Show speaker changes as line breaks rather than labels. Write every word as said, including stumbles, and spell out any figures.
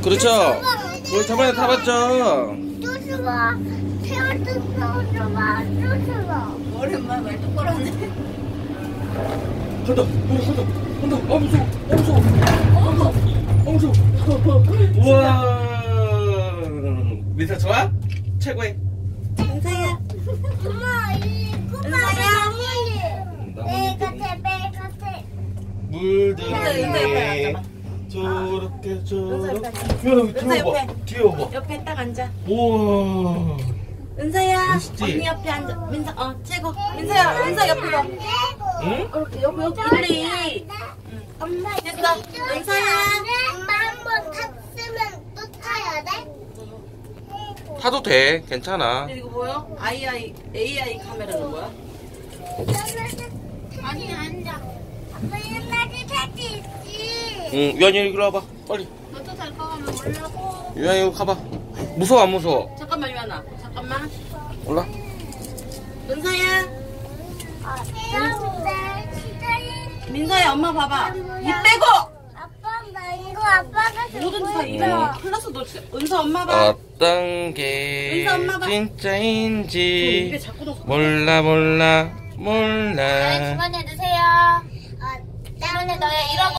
그렇죠. 우리 저번에 타봤죠.
뚜수가 태어났어. 뚜수가 뚜수가.
오랜만에 말 똑바로 하네.
간다. 우리 간다. 간다. 아 무서워. 아 무서워. 아 무서워. 우와. 민서 좋아? 최고의.
은서야.
엄마 이
은서야.
배 같아 배 같아.
물들이
은서 옆에 앉아봐.
저렇게
은서 옆에
저렇게.
앉아.
야,
은서
뒤에 봐.
옆에.
뒤에 봐.
옆에 딱 앉아.
우와.
은서야.
멋있지?
언니 옆에 앉아. 민서 어 최고. 민서야. 은서 옆에 봐.
응?
이렇게 여기 여기 일리.
엄마
됐어. 은서야.
엄마 한 번 탔으면 또 타야 돼?
타도 돼. 괜찮아.
근데 이거 뭐야? 아이아이 에이아이 카메라는 뭐야?
아니 앉아. 아빠 옛날에 탈수 있지.
응, 유한이 이리 와봐. 빨리.
너도 잘 거면 올라고.
유한이 이리 가봐. 무서워 안 무서워?
잠깐만 유한아. 잠깐만.
올라.
은서야.
아, 태양대 시대에.
민서야 엄마 봐봐. 입 빼고.
아빠 나 이거 아빠가
뭐든지 다 입에
응.
큰일 났어 너 진짜. 은서 엄마 봐.
어떤 게
은서 엄마 봐. 저 입에
진짜인지
자꾸 넣어서.
몰라 몰라 몰라.
주머니에 넣으세요. 어, 주머니에 넣어요. 이러고